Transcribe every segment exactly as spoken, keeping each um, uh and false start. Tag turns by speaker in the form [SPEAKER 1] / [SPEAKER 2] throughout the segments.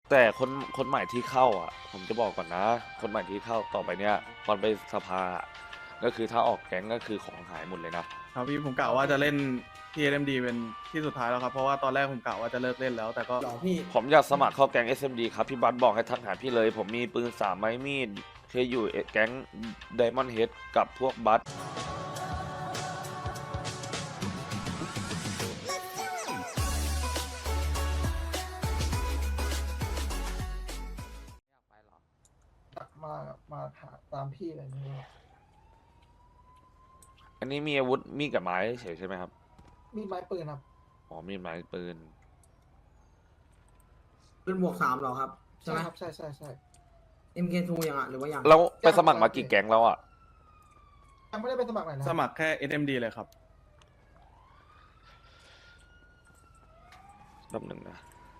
[SPEAKER 1] แต่คนคนใหม่ที่เข้าอ่ะผมจะบอกก่อนนะคนใหม่ที่เข้าต่อไปเนี้ยตอนไปสภาอะก็คือถ้าออกแก๊งก็คือของหายหมดเลยนะครับ
[SPEAKER 2] พี่ผมกะว่าจะเล่นที่ เอ็ม ดี เป็นที่สุดท้ายแล้วครับเพราะว่าตอนแรกผมกะว่าจะเลิกเล่นแล้วแต่ก็
[SPEAKER 3] หรอพี่
[SPEAKER 1] ผมอยากสมัครเข้าแก๊ง เอส เอ็ม ดี ครับพี่บัสบอกให้ทักหาพี่เลย ผมมีปืนสามไม้มีดเคยอยู่แก๊ง Diamond Head กับพวกบัส
[SPEAKER 3] มามาหาตามพี่อะไรนี่
[SPEAKER 1] อันนี้มีอาวุธมีดกับไม้เฉยใช่ไหมครับ
[SPEAKER 3] มีไม้ปืนครับ
[SPEAKER 1] อ๋อมีดไม้ปืน
[SPEAKER 4] เป็นบวกสามเหรอครับใช่
[SPEAKER 3] ใช่
[SPEAKER 4] ไหม
[SPEAKER 3] ครับใช่ใช่ใช่
[SPEAKER 4] เอ็มเคทูยังอ่ะหรือว่ายัง
[SPEAKER 1] แล้วไปสมัครมากี่แก๊งแล้วอ่ะ
[SPEAKER 3] ยังไม่ได้ไปสมัครไหนนะ
[SPEAKER 2] สมัครแค่ เอส เอ็ม ดี เลยครับ
[SPEAKER 1] แป๊บหนึ่งนะ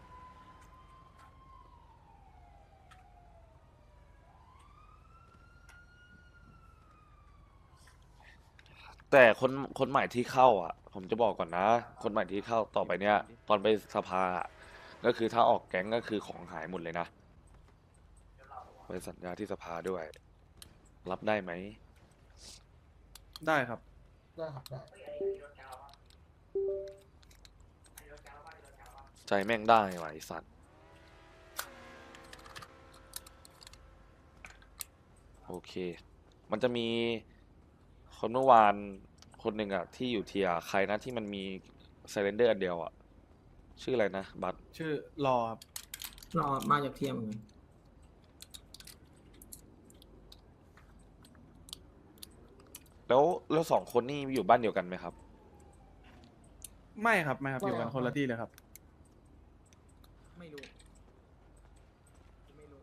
[SPEAKER 1] แต่คนคนใหม่ที่เข้าอ่ะ ผมจะบอกก่อนนะ คนใหม่ที่เข้าต่อไปเนี้ยตอนไปสภาอะก็คือถ้าออกแก๊งก็คือของหายหมดเลยนะไปสัญญาที่สภาด้วย รับได้ไหม
[SPEAKER 2] ได้ครับ
[SPEAKER 3] ได้ครับได้
[SPEAKER 1] ใจแม่งได้ว่ะไอสัตว์โอเค มันจะมีคนเมื่อวานคนหนึ่งอะที่อยู่เทียร์ใครนะที่มันมีไซเลนเดอร์อันเดียวอะชื่ออะไรนะบัต
[SPEAKER 2] ชื่อรอครับ
[SPEAKER 4] รอมาจากเทียมเหมือนกัน
[SPEAKER 1] แล้วแล้วสองคนนี่อยู่บ้านเดียวกันไหมครับ
[SPEAKER 2] ไม่ครับไม่ครับอยู่กันคนละที่เลยครับ
[SPEAKER 4] ไม่รู้ไม่รู้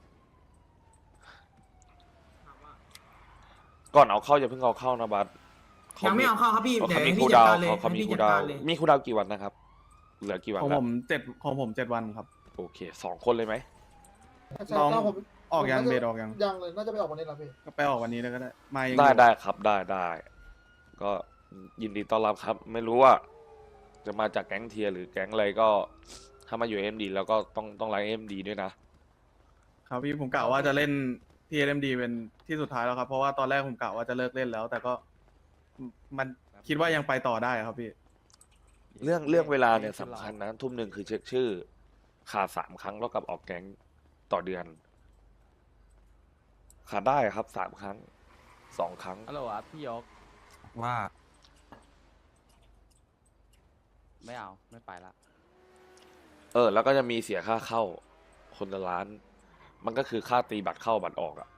[SPEAKER 4] ถามว่า
[SPEAKER 1] ก่อนเอาเข้าอย่าเพิ่งเอาเข้านะบัต
[SPEAKER 4] ยังไม่เอาเข้าครับพี่
[SPEAKER 1] เขา
[SPEAKER 4] เดี๋ยว
[SPEAKER 1] มี
[SPEAKER 4] ให้
[SPEAKER 1] คู
[SPEAKER 4] พี่
[SPEAKER 1] ล
[SPEAKER 4] จัด
[SPEAKER 1] ดาว
[SPEAKER 4] การ
[SPEAKER 1] น์
[SPEAKER 4] เลย
[SPEAKER 1] เขาเขา
[SPEAKER 4] ให้
[SPEAKER 1] มี
[SPEAKER 4] พี่
[SPEAKER 1] คูล
[SPEAKER 4] จัด
[SPEAKER 1] ดาว
[SPEAKER 4] การ
[SPEAKER 1] น์
[SPEAKER 4] เลย
[SPEAKER 1] มีคูลดาวน์กี่วันนะครับเหลือกี่วัน
[SPEAKER 2] ของ
[SPEAKER 1] ละ
[SPEAKER 2] ผมเจ็ดของผมเจ็ดวันครับ
[SPEAKER 1] โอเคสองคนเลยไหม
[SPEAKER 3] ใช่
[SPEAKER 2] น้อง
[SPEAKER 3] ถ้าผม
[SPEAKER 2] ออกยัง
[SPEAKER 3] ผมน่าจะ
[SPEAKER 2] เบสออกยัง
[SPEAKER 3] ยังเลยน่าจะไปออกวันนี้แล้วพี่
[SPEAKER 2] ก็ไปออกวันนี้เลยก็ได้มายัง
[SPEAKER 1] ได้
[SPEAKER 2] อยู่
[SPEAKER 1] ได้ครับได้ได้ ก็ยินดีต้อนรับครับ ไม่รู้ว่า จะมาจากแก๊งเทียร์หรือแก๊งอะไรก็ถ้ามาอยู่เอ็มดีแล้วก็ต้องต้องไลน์เอ็มดีด้วยนะครับ
[SPEAKER 2] พี่ผมกะว่าจะเล่นที่ เอ็ม ดี เป็นที่สุดท้ายแล้วครับเพราะว่าตอนแรกผมกะว่าจะเลิกเล่นแล้ว แต่ก็มันคิดว่ายังไปต่อได้ครับพี่
[SPEAKER 1] เรื่องเรื่องเวลาเนี่ยสำคัญนะทุ่มหนึ่งคือเช็คชื่อ ขาดสามครั้งแล้วกับออกแก๊งต่อเดือน ขาดได้ครับสามครั้งสองครั้ง
[SPEAKER 5] ฮัลโหลครับพี่ยก
[SPEAKER 6] ว่า
[SPEAKER 5] ไม่เอาไม่ไปละ
[SPEAKER 1] เออ แล้วก็จะมีเสียค่าเข้า คนละล้าน มันก็คือค่าตีบัตรเข้าบัตรออกอะ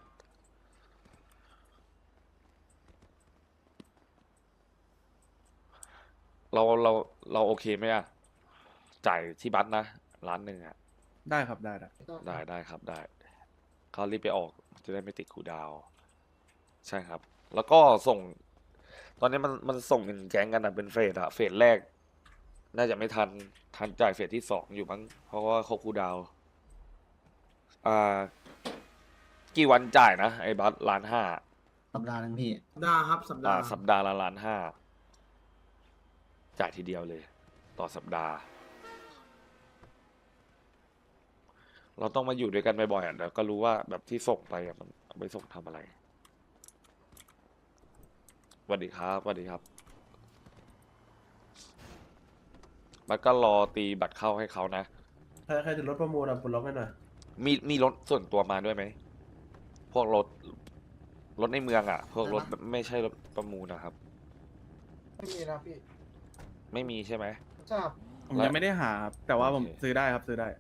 [SPEAKER 1] เราเราเราโอเคไหมอะจ่ายที่บัตรนะล้านหนึ่งอะ
[SPEAKER 2] ได้ครับได้ได้
[SPEAKER 1] ได้ได้ครับได้เขารีบไปออกจะได้ไม่ติดคูลดาวน์ใช่ครับ แล้วก็ส่ง ตอนนี้มันมันส่งเงินแก๊งกันอะเป็นเฟสอะเฟสแรก น่าจะไม่ทันทันจ่ายเฟสที่สองอยู่มั้งเพราะว่าเขาคูลดาวน์อ่า กี่วันจ่ายนะไอ้บัตรล้านห้า
[SPEAKER 6] สัปดาห์นึงพี่
[SPEAKER 4] ได้ครับสัปดา
[SPEAKER 1] อ่า
[SPEAKER 4] ห์
[SPEAKER 1] สัปดาห์ละล้านห้าจ่ายทีเดียวเลย ต่อสัปดาห์ เราต้องมาอยู่ด้วยกันบ่อยๆอ่ะเดี๋ยวก็รู้ว่าแบบที่ส่งไปอ่ะมันเอาไปส่งทำอะไรสวัสดีครับสวัสดีครับบัตรก็รอตีบัตรเข้าให้เขานะ
[SPEAKER 7] ใครใครจะรถประมูลอ่ะปลดล็อกให้หน่อย
[SPEAKER 1] มีมีรถส่วนตัวมาด้วยไหม พวกรถ รถในเมืองอ่ะ พวกรถไม่ใช่รถประมูลนะครับ
[SPEAKER 3] ไม่มีนะพี่
[SPEAKER 1] ไม่มีใช่ไหม
[SPEAKER 3] ใช่ครับ
[SPEAKER 2] ผมยังไม่ได้หาครับแต่ว่าผม
[SPEAKER 1] โอเค
[SPEAKER 2] ซื้อได้ครับซื้อได้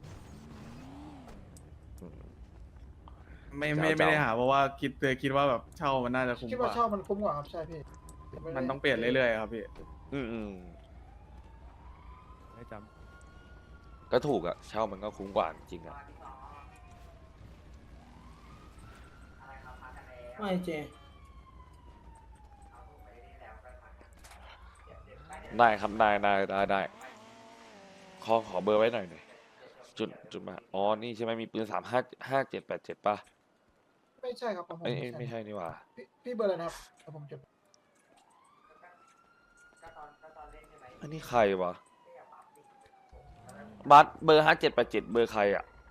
[SPEAKER 1] อืม
[SPEAKER 2] ไม่
[SPEAKER 1] จะเอา
[SPEAKER 2] ไม่ไม่ได้
[SPEAKER 1] จะเอา
[SPEAKER 2] หาเพราะว่าคิดเลยคิดว่าแบบเช่ามันน่าจะคุ้ม
[SPEAKER 3] คิด
[SPEAKER 2] ก
[SPEAKER 3] ว่า
[SPEAKER 2] ว่า
[SPEAKER 3] เช่ามันคุ้มกว่าครับใช่พี่ไได้
[SPEAKER 2] มันต้องเปลี่ยนเรื่อยๆครับพี่
[SPEAKER 1] อืมอืม
[SPEAKER 5] ไม่จ
[SPEAKER 1] ก็ถูกอะเช่ามันก็คุ้มกว่าจริงอะ
[SPEAKER 4] ไม่เจ
[SPEAKER 1] ได้ครับได้ได้ได้ได้ขอขอเบอร์ไว้หน่อยหน่อยจุดจุดมาอ๋อนี่ใช่ไหมมีปืนสามห้าห้าเจ็ดแปดเจ็ดป่ะ
[SPEAKER 3] ไม่ใช่ครับของผม
[SPEAKER 1] เอ้ยเอ้ยไม่ใช่นี่หว่า
[SPEAKER 3] พี่พี่เบอร์อะไรนะครับเดี๋ยวผมจด
[SPEAKER 1] อันนี้ใครวะบัสเบอร์ห้าเจ็ดแปดเจ็ดเบอร์ใครอะ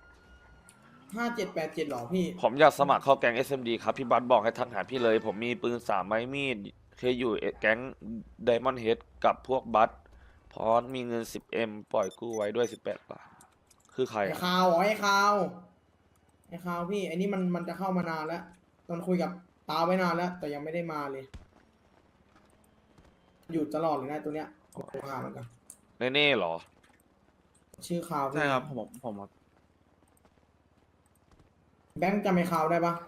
[SPEAKER 4] ห้าเจ็ดแปดเจ็ดหรอพี่
[SPEAKER 1] ผมอยากสมัครเข้าแก๊ง เอส เอ็ม ดี ครับ พี่บัสบอกให้ทักหาพี่เลย ผมมีปืนสามไม้มีด เคยอยู่แก๊ง Diamond Head กับพวกบัสพร้อมมีเงิน สิบเอ็ม ปล่อยกู้ไว้ด้วย สิบแปด บาท คือใคร
[SPEAKER 4] ไอ้
[SPEAKER 1] อะ
[SPEAKER 4] ข่าวเหรอไอ้ข่าวไอ้ข่าวพี่ไอ้นี่มันมันจะเข้ามานานแล้วตอนคุยกับตาไว้นานแล้ว แต่ยังไม่ได้มาเลย อยู่ตลอดเลยนะตัวเนี้ยผมหาเหมือนกัน
[SPEAKER 1] เน่ๆเหรอ
[SPEAKER 4] ชื่อข่าวพี่
[SPEAKER 2] ใช่ครับผมผมครับ
[SPEAKER 4] แบงค์จำไอ้ข่าวได้ปะ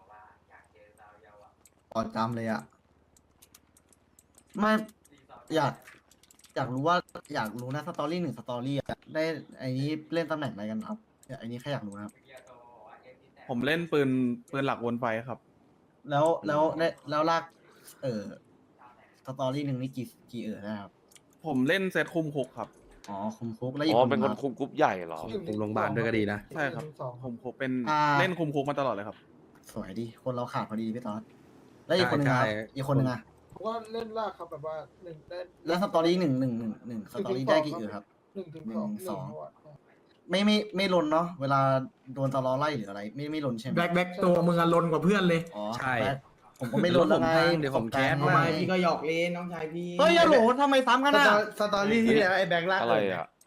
[SPEAKER 6] พอจำเลยอะไม่อยาก อยากรู้ว่าอยากรู้นะสตอรี่หนึ่งสตอรี่อะได้ไอ้นี้เล่นตำแหน่งอะไรกันครับไอ้นี้แค่อยากรู้นะครับ
[SPEAKER 2] ผมเล่นปืนปืนหลักวนไฟครับ
[SPEAKER 6] แล้วแล้วได้แล้วลาก เออสตอรี่หนึ่งนี่กี่กี่เออนะครับ
[SPEAKER 2] ผมเล่นเซตคุมคุกครับ
[SPEAKER 6] อ๋อคุมคุกแล้วอีก
[SPEAKER 1] อ๋อ
[SPEAKER 6] คน
[SPEAKER 1] เป็นคน
[SPEAKER 6] รับ
[SPEAKER 1] คุมกรุ๊ปใหญ่เหรอ
[SPEAKER 7] คุมโรงพยาบาลด้วยก็ดีนะ
[SPEAKER 2] ใช่ครับ
[SPEAKER 3] สอง
[SPEAKER 2] คุมคุกเป็น
[SPEAKER 6] อ่า
[SPEAKER 2] เล่นคุมคุกมาตลอดเลยครับ
[SPEAKER 6] สวยดีคนเราขาดพอดีพี่ต๊อดแล้วอีกคนหนึงครับ
[SPEAKER 7] ใช่ใช่
[SPEAKER 6] อีกคนหนึงอะ
[SPEAKER 3] ผมว่าเล่นลากครับแบบว่าหนึ่งได้
[SPEAKER 6] แล้วสตอรี่หนึ่งหนึ่งหนึ่งหนึ่งสตอรี่ได้กี่เออครับ
[SPEAKER 3] หนึ่งถึงสอง
[SPEAKER 6] หนึ่งสอง
[SPEAKER 3] หนึ่ะ
[SPEAKER 6] ไม่ไม่ไม่ลนเนาะเวลาโดนตลอไล่หรืออะไร ไม่ไม่ลนใช่ไหม
[SPEAKER 4] แบ็คแบ็คตัวมึงอะลนกว่าเพื่อนเลย
[SPEAKER 6] อ๋อ
[SPEAKER 7] ใช่
[SPEAKER 6] แบ็คผมก็ไม่ลนแล้วไง
[SPEAKER 7] เดี๋ยวผมแคส
[SPEAKER 6] ป
[SPEAKER 4] ทำ
[SPEAKER 6] ระสบ
[SPEAKER 4] ไม
[SPEAKER 6] การณ์
[SPEAKER 4] พี่ก็หยอกเล่นน้องชายพี่
[SPEAKER 6] เฮ้ยอย่าโหลทำไมซ้ำกัน
[SPEAKER 3] ส
[SPEAKER 6] อ่ะ
[SPEAKER 3] ตอสตอรี่ที่แล้วไอ้แบงค์ลาก
[SPEAKER 1] อะไร
[SPEAKER 3] เ
[SPEAKER 1] อ่ะ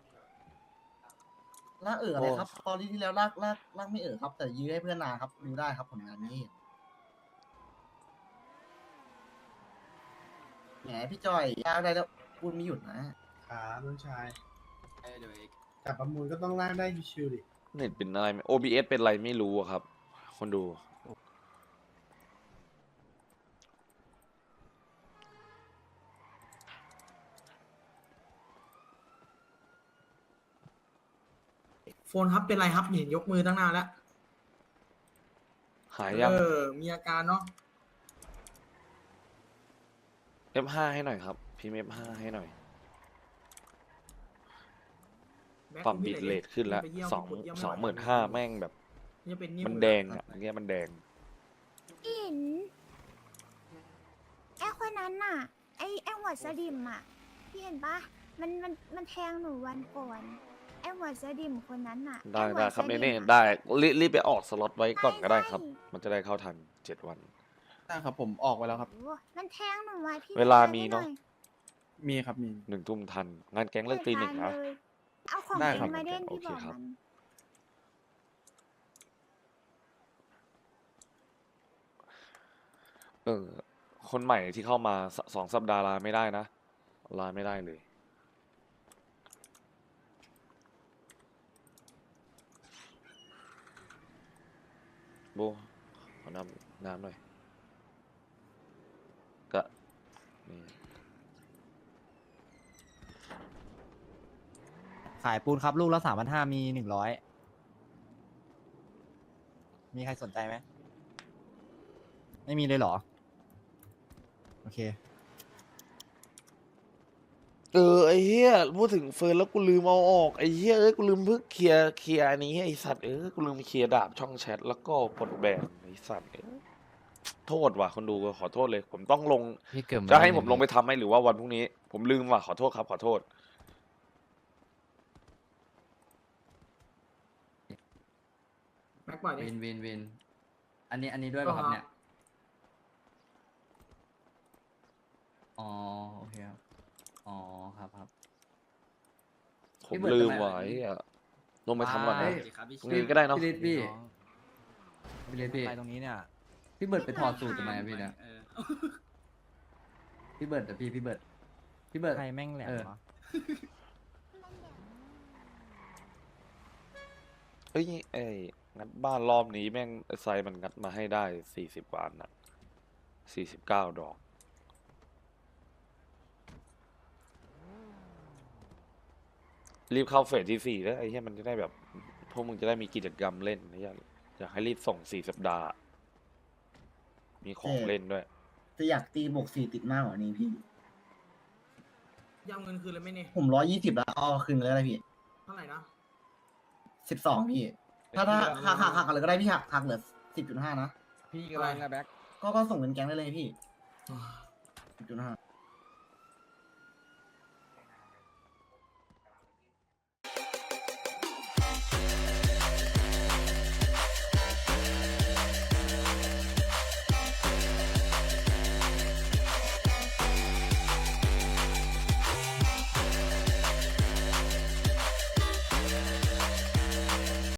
[SPEAKER 6] ลากเอออะไร
[SPEAKER 1] โอ้
[SPEAKER 6] ครับตอนนี้ที่แล้วลากลากลากไม่เออครับ แต่ยื้อให้เพื่อนนาครับดูได้ครับผลงานนี้แหมพี่จอยลากได้แล้วพูดไม่หยุดนะ
[SPEAKER 7] ขาน้องชายจับประมูลก็ต้องลากได้ชิวๆดิ
[SPEAKER 1] เน็ตเป็นอะไรไหม โอ บี เอส เป็นอะไรไม่รู้อะครับ คนดู
[SPEAKER 4] โฟนครับเป็นไรครับเห็นยกมือตั้งนานแล้ว
[SPEAKER 1] หายยัง
[SPEAKER 4] เออมีอาการเนาะ
[SPEAKER 1] เอฟ ห้า ให้หน่อยครับ พิมพ์ เอฟ ห้า ให้หน่อย
[SPEAKER 4] แบ็ค
[SPEAKER 1] ปรับ
[SPEAKER 4] พี่
[SPEAKER 1] บิต
[SPEAKER 4] ไหน
[SPEAKER 1] เรทขึ้นแล้ว
[SPEAKER 4] ไปเยี่ยม
[SPEAKER 1] สอง
[SPEAKER 4] ไปเยี่ย
[SPEAKER 1] สองห
[SPEAKER 4] ไไหว
[SPEAKER 1] มื่นห้าแม่งแบบ
[SPEAKER 4] ยังเป็นนิ้ว
[SPEAKER 1] มันแดงอ่ะเมื่อกี้มันแดง
[SPEAKER 8] อินไอคนนั้นน่ะ ไอไอหัวสดิมอ่ะ พี่เห็นปะมันมันมันแทงหนูวันก่อน ไอหัวสดิมคนนั้นน่ะ
[SPEAKER 1] ได้
[SPEAKER 8] อ้หัว
[SPEAKER 1] ได้ครับ
[SPEAKER 8] สดิ
[SPEAKER 1] เน่
[SPEAKER 8] มอะ
[SPEAKER 1] ๆได้รีบรีบไปออกสล็อตไว้ก่อนก็ได้ครับ
[SPEAKER 8] ใช่
[SPEAKER 1] มันจะได้เข้าทันเจ็ดวัน
[SPEAKER 2] ใช่ครับผมออกไปแล้วครับ
[SPEAKER 8] โอ้มันแทงหนูไว้พี่
[SPEAKER 1] เวลา
[SPEAKER 8] ช่ย
[SPEAKER 1] มี
[SPEAKER 8] ให้
[SPEAKER 1] เนอะ
[SPEAKER 8] หอย
[SPEAKER 2] มีครับมี
[SPEAKER 1] หนึ่งทุ่มทัน งานแก๊งเลิกตีหนึ่งนะ
[SPEAKER 8] ไม่ทัเลยเอาของ
[SPEAKER 2] ได้
[SPEAKER 8] จริ
[SPEAKER 2] ครับ
[SPEAKER 8] งมาเล่น
[SPEAKER 1] โอ
[SPEAKER 8] พี่
[SPEAKER 1] เค
[SPEAKER 8] บอก
[SPEAKER 1] ครับ
[SPEAKER 8] มัน
[SPEAKER 1] เออ คนใหม่ที่เข้ามาสสองสัปดาห์ลาไม่ได้นะ ลาไม่ได้เลย โบขอน้ำน้ำหน่อย ก็นี่
[SPEAKER 9] ขายปูนครับลูกละสามพันห้ามีหนึ่งร้อยมีใครสนใจไหมไม่มีเลยเหรอ โอเค
[SPEAKER 1] เออไอ้เหี้ยพูดถึงเฟิร์นแล้วกูลืมเอาออกไอ้เหี้ยเอ้ยกูลืมเพิ่งเคลียร์เคลียร์อันนี้ไอ้สัตว์เออกูลืมเคลียร์ดาบช่องแชทแล้วก็ปลดแบนไอ้สัตว์เอ้ยโทษว่ะคนดูขอโทษเลย ผมต้องลง
[SPEAKER 5] พี่เกิด
[SPEAKER 1] จะให้ผมลงไปทำไหมหรือว่าวันพรุ่งนี้ ผมลืมว่ะขอโทษครับ ขอโทษ
[SPEAKER 4] แบ็คปล่อยดิ
[SPEAKER 5] วินวินวิน อันนี้อันนี้ด้วย
[SPEAKER 4] ก็
[SPEAKER 5] ป่ะครับ
[SPEAKER 4] ครับ
[SPEAKER 5] เนี่ย อ๋อ โอเคครับ อ๋อ ครับครับ
[SPEAKER 1] ผ
[SPEAKER 5] พี่
[SPEAKER 1] ม
[SPEAKER 5] เบิร์ด
[SPEAKER 1] ลืม
[SPEAKER 5] ทำไม
[SPEAKER 1] ว่ะไอ้เหี้ยลงไปทำก่อนนะ
[SPEAKER 5] เฮ้ย
[SPEAKER 1] พรุ่งนี้ก็ได้เนาะ
[SPEAKER 5] พี่ลิศพี่พี่ลิศพี่
[SPEAKER 9] ไปตรงนี้เนี่ย
[SPEAKER 5] พี่เบิร์ดไปถอดสูตรทำไมอะพี่เนี่ยพี่เบิร์ดแต่พี่พี่เบิร์ดพี่เบิร์ด
[SPEAKER 9] ใครแม่งแหลม
[SPEAKER 5] เออ
[SPEAKER 9] วะ
[SPEAKER 1] เฮ้ยไอ้งัดบ้านรอบนี้แม่งไอ้ไซมันงัดมาให้ได้สี่สิบวันน่ะสี่สิบเก้าดอก รีบเข้าเฟสที่สี่แล้วไอ้เหี้ยมันจะได้แบบพวกมึงจะได้มีกิจกรรมเล่นไอ้เหี้ยอยากให้รีบส่งสี่สัปดาห์ มีของเล่นด้วย
[SPEAKER 6] จะอยากตีบวกสี่ติดมากกว่านี้พี่
[SPEAKER 4] ยำเงินคืนเลยไหมเนี่ย
[SPEAKER 6] ผมร้อยยี่สิบแล้วเอาคืนเลยนะพี่
[SPEAKER 4] เท่าไหร่นะ
[SPEAKER 6] สิบสองพี่ ถ้าถ้าหักหักหักอะไรก็ได้พี่หักหักเหลือสิบจุดห้านะ
[SPEAKER 9] พี่กำลังอะแบ็ค
[SPEAKER 6] ก็ก็ส่งเป็นแก๊งได้เลยพี่สิบจุดห้า